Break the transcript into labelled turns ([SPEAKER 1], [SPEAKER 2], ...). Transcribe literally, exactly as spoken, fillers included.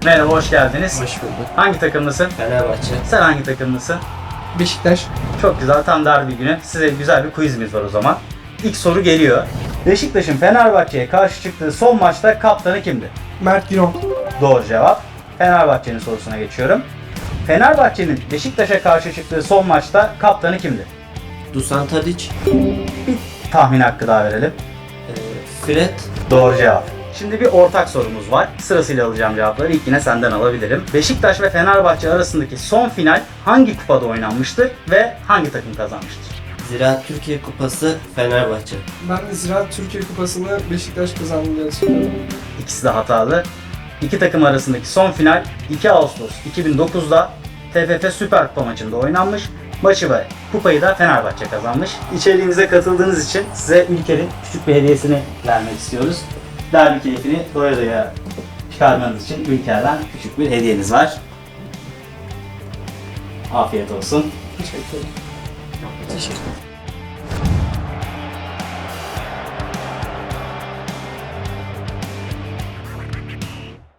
[SPEAKER 1] Merhaba, hoş geldiniz.
[SPEAKER 2] Hoş bulduk.
[SPEAKER 1] Hangi takımlısın?
[SPEAKER 2] Fenerbahçe.
[SPEAKER 1] Sen hangi takımlısın?
[SPEAKER 3] Beşiktaş.
[SPEAKER 1] Çok güzel, tam derbi günü. Size güzel bir quizimiz var o zaman. İlk soru geliyor. Beşiktaş'ın Fenerbahçe'ye karşı çıktığı son maçta kaptanı kimdi?
[SPEAKER 3] Mert Günok.
[SPEAKER 1] Doğru cevap. Fenerbahçe'nin sorusuna geçiyorum. Fenerbahçe'nin Beşiktaş'a karşı çıktığı son maçta kaptanı kimdi?
[SPEAKER 2] Dusan Tadic.
[SPEAKER 1] Bir tahmin hakkı daha verelim.
[SPEAKER 2] E, Fred.
[SPEAKER 1] Doğru cevap. Şimdi bir ortak sorumuz var. Sırasıyla alacağım cevapları. İlk yine senden alabilirim. Beşiktaş ve Fenerbahçe arasındaki son final hangi kupada oynanmıştır ve hangi takım kazanmıştır?
[SPEAKER 2] Ziraat Türkiye Kupası Fenerbahçe.
[SPEAKER 3] Ben de Ziraat Türkiye Kupası'nı Beşiktaş kazandı diye düşünüyorum.
[SPEAKER 1] İkisi de hatalı. İki takım arasındaki son final iki Ağustos iki bin dokuz'da T F F Süper Kupa maçında oynanmış. Maçı ve kupayı da Fenerbahçe kazanmış. İçeriğimize katıldığınız için size Ülker'in küçük bir hediyesini vermek istiyoruz. Derbi keyfini doya doya çıkarmanız için Ülker'den küçük bir hediyeniz var. Afiyet olsun.
[SPEAKER 3] Teşekkür ederim.
[SPEAKER 2] Teşekkür ederim.